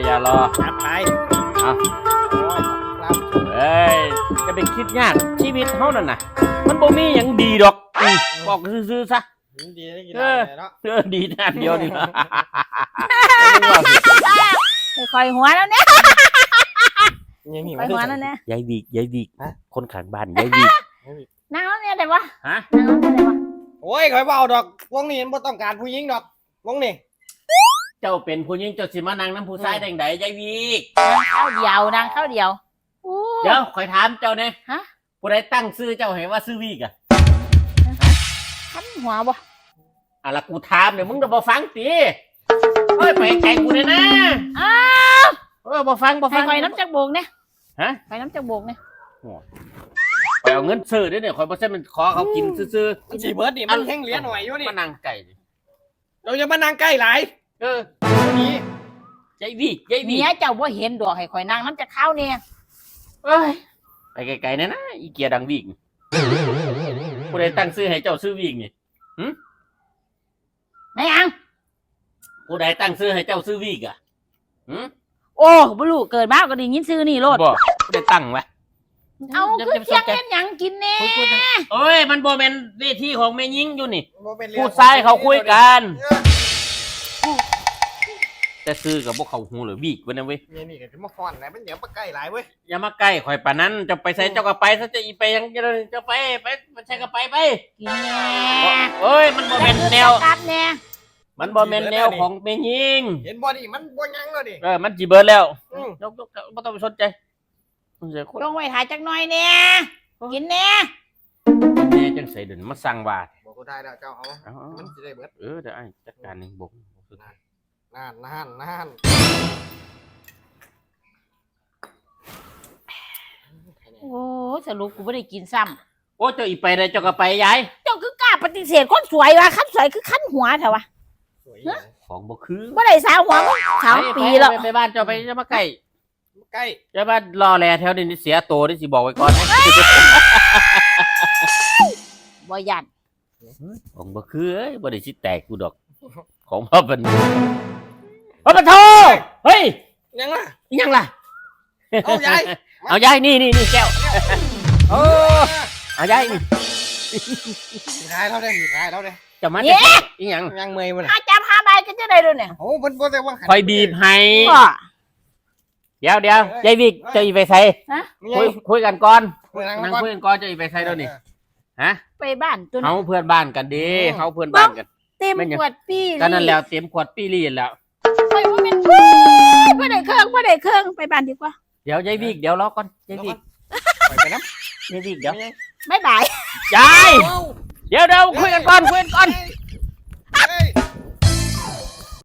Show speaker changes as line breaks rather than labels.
อย่ารอ
จัดไป
เอา
โอ้ยครับ
เอ้ยจะไปคิดยากชีวิตเฮานั่นน่ะมันบ่มีหยังดีดอกบอกซื่อๆซะ
ดีได้กินได้เนาะ
ดีด้านเดียวนี่ล่ะ
คอยหัวแล้วเนี่ย
ยังมี
คอยหัวแล้วเนี่ย
ยายวิกคนข้างบ้านยายวิก
นั่งแล้วเนี่ยได้ปะ
ฮะ
นั่งแล้วเนี่ยได้ปะ
โอ้ยคอยเบาดอกวงนี้มันบ่ต้องการผู้หญิงดอกวงนี้
เจ้าเป็นผู้หญิงเจ้าสิมานั่งน้ำผู้ชายได้ไดยายวิก
ข้าวเดียวนั่งข้าวเดียวโอ้
เดี๋ยวคอยถามเจ้าแน่
ฮะ
ผู้ใดตั้งชื่อเจ้าให้ว่าชื่อวิกอ่ะ
ขันหัวบ่
อ่ะละกูถามเดี๋ยวมึงจะบ่ฟังติเฮ้ยไปไกลกูเลยนะ
อ้าว
บ่ฟัง
ให้คอยน้ำจักโบกเนี่ย
ฮะ
คอยน้ำจักโบกเนี่ย
ไปเอาเงินซื้อเด้อเนี่ยคอยบ่ใช่มันขอเขากินซื่อ
มันสีเบิร์ดนี่มันแห้งเหลี้ยหน่อยอยู่
ๆ
นี่
มานั่งไก่ดิ
เราจะมานั่งใกล้หลาย
เออ
นี่
ยายวิก
เมียเจ้าบ่เห็นดอกให้คอยนั่งน้ำจักข้าวเนี่ย
เอ้ยไปไกลๆนะอีเกียดังวิกผู้ใดตั้งชื่อให้เจ้าชื่อวิกนี่
ไม่ยัง
ผู้ใดตั้งชื่อให้เจ้าชื่อวิกอ่ะ
โอ้บ่รู้เกิดมาก็ได้ยินชื่อนี่โลด
บ่ผู้ใดตั้งวะ
เอาคือเที่ยงเล่นหยังกินแน่
โอ้ยมันบ่แม่นเวทีของแม่ยิงอยู่นี่
บ่เป็นเรื่อง
ผู้ชายเขาคุยกัน แต่ซื้อกับพวกเขาหูหรือวิกวะนะเว้ย
นี่ก็จะมาฟ้อนไหนมันเดี๋ยวมาใกล้หลายเว้ย
อย่ามาใกล้ข่อยปานนั้นจะไปใส่เจ้าก็ไปซะจะอีไปยังจะไปใช่ก็ไป
กินแน่
เอ้ยมันบ่แม่นแนว
กัดแน่
มันบ่แม่นแนวของแม่ยิง
เห็นบ่นี่มันบ่ยังแล้วดิ
มันสิเบิดแล้ว
อืม
ยกบ่ต้องไปสนใจมันเสียคน
ลงไว้ถ่ายจักหน่อยแน่กินแน่
แน่จังใส่เดินมาสั่งว่า
บอกกูได้แล้วเจ้าเอา
เอา
มันสิได้เบิด
เดี๋ยวไอ้จัดการเองบอก
นั่น
โอ้สรุปกูไม่ได้กินซ้
โอ้เจ้าอีไปได้เจ้าก็ไปยาย
ำเจ้าคือกล้าปฏิเสธคนสวยวะขั้นสวยคือขั้นหัวเถอะวะ
สวย
ของบ่คือ
ไม่ได้สาวหัวมึง3 ปีแล้ว
ไปบ้านเจ้าไปจะมาใกล้
ใกล้
จะมารอแลแถวนี้เสียโตนี่สิบอกไว้ก่อนนะ
บ่ยัน
ของบ่คือเอ้ยบ่ได้สิแตกกูดอก ของพ่อเป็นพ่อปะโทเฮ้ย
ยังล่ะ
ยังล่ะ
เอายาย
เอายายนี่แก้วโอ้เอายายนี่
มีท้ายเราได้มีท้ายเราได้
จะมา
เนี่ย
อีหยัง
ยังเมย์มัน
อาจับ5 ใบก็จะได้ด้วยเนี่ย
โอ้มันบ่ได้ว่า
คอยบีบให้
ก็
เดี๋ยวยายวิกเจะอีไปใส่คุยกันก่อน นั่งคุยกันก่อนเจะอีไปใส่เดี๋ยวนี้ฮะ
ไปบ้านตัว
เขาเพื่อนบ้านกันดีเขาเพื่อนบ้านกัน
เต็มขวดปี
ก็นั่นแล้วเต็มขวดปีรีแล้ว
ไปว่าเป็นบ่ได้เครื่องไปบ้านดีกว่า
เดี๋ยวยายวิกเดี๋ยวรอก่อนยายวิก
ไปน้ำ
ยายวิกเดี๋ยว
บ๊ายบาย
ยายเดี๋ยวคุยกันก่อน